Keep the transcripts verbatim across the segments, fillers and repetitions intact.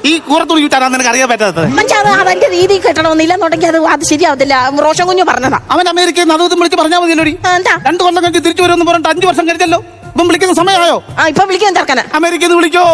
ഈ കൂറത്തുണി ചുറ്റാനാ നിനക്ക് അറിയാൻ പറ്റാത്തത്? പക്ഷെ അത് അവന്റെ രീതി കിട്ടണമെന്നില്ലെന്നുണ്ടെങ്കിൽ അത് അത് ശരിയാവത്തില്ല. റോഷൻ കുഞ്ഞു പറഞ്ഞതാ. അവൻ അമേരിക്കയിൽ നിന്ന് അതും വിളിച്ച് പറഞ്ഞാൽ മതിയല്ലോ. എന്താ രണ്ടു കൊല്ലം കഴിഞ്ഞ് തിരിച്ചു വരുമെന്ന് പറഞ്ഞിട്ട് അഞ്ചു വർഷം കഴിഞ്ഞല്ലോ. ഇപ്പം വിളിക്കുന്ന സമയമായോ? ആ ഇപ്പൊ വിളിക്കാൻ ചേർക്കന അമേരിക്കയിൽ നിന്ന് വിളിക്കോ?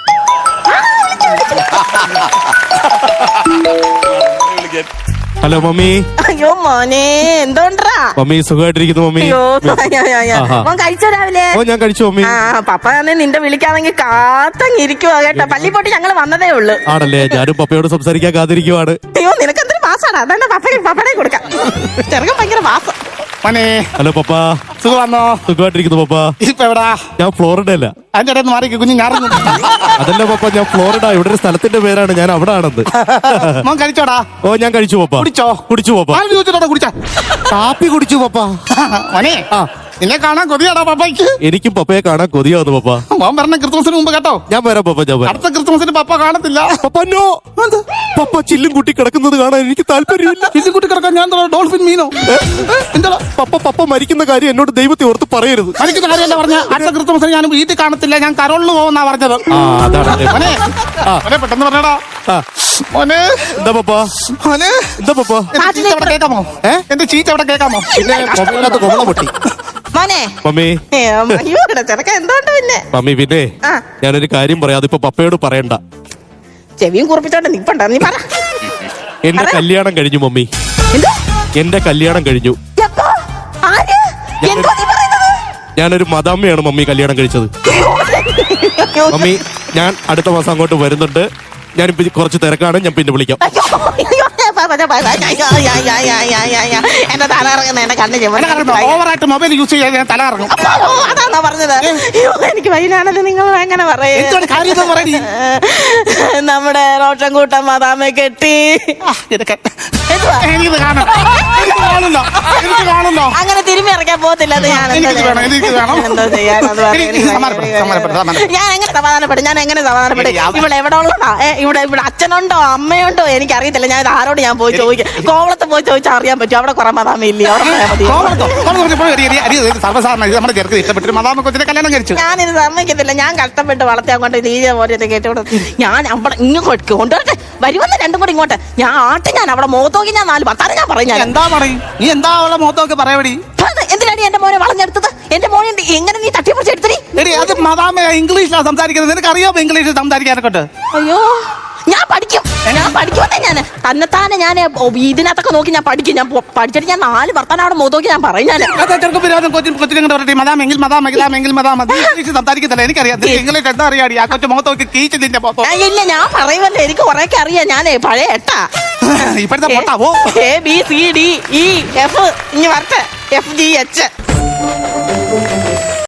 Hello mummy. അയ്യോ മോനെ എന്തോണ്ടാ മമ്മി സുഖമായിട്ടിരിക്കുന്നു മമ്മി. അയ്യോ മോൻ കഴിച്ചോ രാവിലെ? ഓ ഞാൻ കഴിച്ചു മമ്മി. ആ പപ്പ തന്നെ നിന്റെ വിളിക്കാണെങ്കിൽ കാത്തങ്ങിരിക്കുവാ കേട്ടോ. പള്ളി പോയിട്ട് ഞങ്ങൾ വന്നതേ ഉള്ളു. ആണല്ലേ? ഞാനും പപ്പയോട് സംസാരിക്കാൻ കാത്തിരിക്കുവാണ്. അയ്യോ നിനക്ക് എന്തൊരു മാസാണ്. അതാണ് പപ്പ പപ്പടെ കൊടുക്കാം. ചെറുക്കൻ ഭയങ്കര മാസം. Hello papa. സുഖമാണോ? സുഖമായിട്ടിരിക്കുന്നു പപ്പ. ഇപ്പൊ എവിടാ? ഞാൻ ഫ്ലോറിഡ അല്ല. അതിന്റെ ഇടയിൽ മാറി കുഞ്ഞു ഞാറുന്നു. അതല്ല പപ്പ, ഞാൻ ഫ്ലോറിഡ. ഇവിടെ ഒരു സ്ഥലത്തിന്റെ പേരാണ്. ഞാൻ അവിടെ ആണെന്ന്. മോൻ കഴിച്ചോടാ? ഓ ഞാൻ കഴിച്ചു പപ്പ. കുടിച്ചോ? കുടിച്ചു പപ്പ. കുടിച്ച കാപ്പി കുടിച്ചു പപ്പ. മോനെ ആ നിന്നെ കാണാൻ കൊതിയാടാ പപ്പയ്ക്ക്. എനിക്കും പപ്പയെ കാണാൻ കൊതിയാവുന്നു പപ്പ. മോൻ പറഞ്ഞ ക്രിസ്മസിന് മുമ്പ് കേട്ടോ. ഞാൻ വരാം പപ്പ. ഞാൻ വരാം. അടുത്ത ക്രിസ്മസിന് പപ്പ കാണത്തില്ല. പപ്പ നോ. പപ്പ ചില്ലും കുട്ടി കിടക്കുന്നത് കാണാൻ എനിക്ക് താല്പര്യമില്ല. ചില്ലും കുട്ടി കിടക്കാൻ ഞാൻ ഡോൾഫിൻ മീനോ? എന്താ പപ്പ പപ്പ മരിക്കുന്ന കാര്യം എന്നോട് ദൈവത്തെ ഓർത്ത് പറയരുത്. മരിക്കുന്ന കാര്യമല്ല പറഞ്ഞ. അടുത്ത ക്രിസ്മസിന് ഞാൻ വീട്ടിൽ കാണത്തില്ല. ഞാൻ കരോളിന് പോകുന്നാ പറഞ്ഞത്. പെട്ടെന്ന് പറഞ്ഞടാ മോനെ. എന്താ പപ്പ? മോനെ എന്താ പപ്പ? കേക്കാമോ? എന്റെ ചീച്ച അവിടെ കേക്കാമോ? പൊട്ടി മോനെ മമ്മി. ചെറുക്കൻ എന്തോണ്ട് പിന്നെ? മമ്മി പിന്നെ ഞാനൊരു കാര്യം പറയാം. അതിപ്പോ പപ്പയോട് പറയണ്ട. ചെവിയും കുറിപ്പിച്ചോണ്ട് നിപ്പണ്ട. നീ പറ. എന്റെ കല്യാണം കഴിഞ്ഞു മമ്മി. എന്റെ കല്യാണം കഴിഞ്ഞു. ഞാനൊരു മദാമ്മയാണ് മമ്മി കല്യാണം കഴിച്ചത്. മമ്മി ഞാൻ അടുത്ത മാസം അങ്ങോട്ട് വരുന്നുണ്ട്. ഞാനിപ്പോ കുറച്ച് തിരക്കാണ്. ഞാൻ പിന്നെ വിളിക്കാം. എന്റെ തല ഇറങ്ങുന്ന എന്റെ കണ്ണ് ഓവറായിട്ട് മൊബൈൽ യൂസ് ചെയ്യാൻ ഞാൻ തല ഇറങ്ങും. അതാണോ പറഞ്ഞത്? എനിക്ക് വൈനാണല്ലോ നിങ്ങൾ എങ്ങനെ പറയും? നമ്മുടെ റോഷൻ കൂട്ടം മദാമെ കെട്ടി. അങ്ങനെ തിരുമ്മി ഇറക്കാൻ പോകത്തില്ല. എന്തോ ചെയ്യാൻ ഞാൻ എങ്ങനെ സമാധാനപ്പെടും? ഞാൻ എങ്ങനെ സമാധാനപ്പെടും? ഇവിടെ എവിടെ ഉള്ളതാ? ഇവിടെ ഇവിടെ അച്ഛനുണ്ടോ അമ്മയുണ്ടോ എനിക്കറിയത്തില്ല. ഞാൻ ആരോട് ഞാൻ പോയി ചോദിക്കും. കോവളത്ത് പോയി ചോദിച്ചാൽ അറിയാൻ പറ്റും. അവിടെ കുറെ മദാമ ഇല്ലേ? അവിടെ ഞാനിത് സമ്മതിക്കത്തില്ല. ഞാൻ കഷ്ടപ്പെട്ട് വളർത്തി അങ്ങോട്ട് നീജ പോലെ കേട്ടോട് ഞാൻ അവിടെ ഇങ്ങോട്ട് കൊണ്ടുവരട്ടെ. വരുമെന്ന് രണ്ടും കൂടി ഇങ്ങോട്ട് ഞാൻ ആട്ട്. ഞാൻ അവിടെ മുഖത്തോക്കി ഞാൻ നാല് ഭർത്താനം ഞാൻ പറയും. ഞാൻ എന്താ പറയും? നീ എന്താ അവളെ മുഖത്തൊക്കെ പറയടി? എന്തിനാണ് എന്റെ മോനെ വളഞ്ഞെടുത്തത്? എന്റെ മോനെ എങ്ങനെ നീ തട്ടിപ്പിടിച്ചെടുത്തടി? അത് മദാമ ഇംഗ്ലീഷിലാണ് സംസാരിക്കുന്നത്. നിനക്ക് അറിയാമോ ഇംഗ്ലീഷിൽ സംസാരിക്കാനൊക്കെ? അയ്യോ ഞാൻ പഠിക്കും. ഞാൻ പഠിക്കുമെന്നേ. ഞാൻ തന്നെത്താനെ ഞാൻ ഇതിനകത്തൊക്കെ നോക്കി ഞാൻ പഠിക്കും. ഞാൻ പഠിച്ചിട്ട് ഞാൻ നാല് ഭർത്താനം അവിടെ മുഖത്തോക്കി ഞാൻ പറയും. ഞാൻ സംസാരിക്കത്തില്ല. എനിക്കറിയാം ഇംഗ്ലീഷ് എന്താ അറിയാടി? ആ കൊച്ചു മുഖത്തോക്കി കീച്ചതിന്റെ ഇല്ല ഞാൻ പറയുമല്ലോ. എനിക്ക് കുറെയൊക്കെ അറിയാം. ഞാനേ പഴയ എട്ടാ. ഇപ്പോഴത്തെ പൊട്ടാവോ? A B C D E F ഇനി വരട്ടെ. F G H